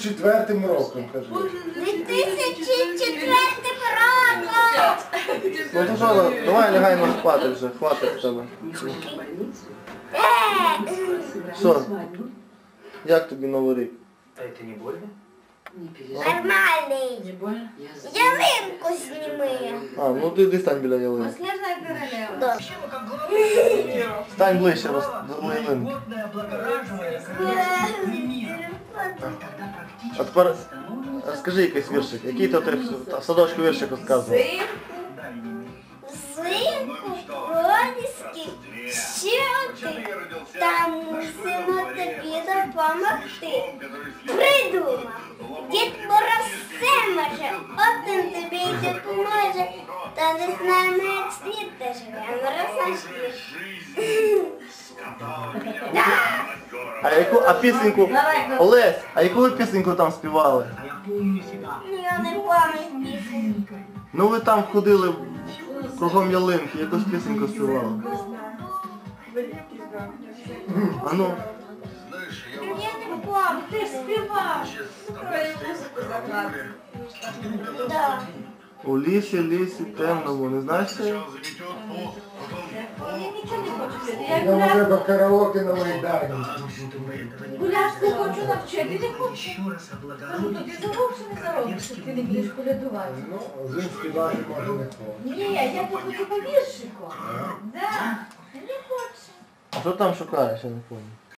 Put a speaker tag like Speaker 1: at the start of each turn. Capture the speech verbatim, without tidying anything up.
Speaker 1: четвертим роком, кажи.
Speaker 2: дві тисячі четвертим роком!
Speaker 3: Ну то що, давай лягаємо спати вже, хватить в тебе. Що? Як тобі Новий рік?
Speaker 4: А это не больно?
Speaker 2: Нормальний.
Speaker 4: Не больно?
Speaker 2: Ялинку зніми.
Speaker 3: А, ну ти йди стань біля ялинки.
Speaker 5: Снежная королева.
Speaker 2: Да.
Speaker 3: Стань ближче роз- до ялинки. А тепер розкажи якийсь віршик. Який то ти в садочку віршик розказував?
Speaker 2: Взимку проліски, що ти? Там мусимо тобі допомогти. Придумав. Дід Мороз все може, один тобі й допоможе. Та не знаємо, як світ та живе, Мороз наш світ.
Speaker 3: А яку, а пісеньку, Олесь, а яку ви пісеньку там співали?
Speaker 2: Я не пам'ятаю пісеньку.
Speaker 3: Ну ви там ходили кругом ялинки, якусь пісеньку співали. А ну,
Speaker 2: Я не пам'ятаю.
Speaker 5: Ти співав. Твою музику закладу.
Speaker 2: Да.
Speaker 3: у лісі, лісі, темному, не знаєш це?
Speaker 5: Я нічого не хочу пити. Я
Speaker 1: Нам
Speaker 5: гуляш,
Speaker 1: треба караоке на Майдані.
Speaker 5: гуляш не хочу навчити, не хочу. Кажу, тобі заробше не заробиш, що ти не будеш колядувати.
Speaker 1: Ну, один співати може не хоче.
Speaker 5: Ні, я би хочу по віршику. Да. Не хочу.
Speaker 3: А що там шукаєш, я не пам'ятаю.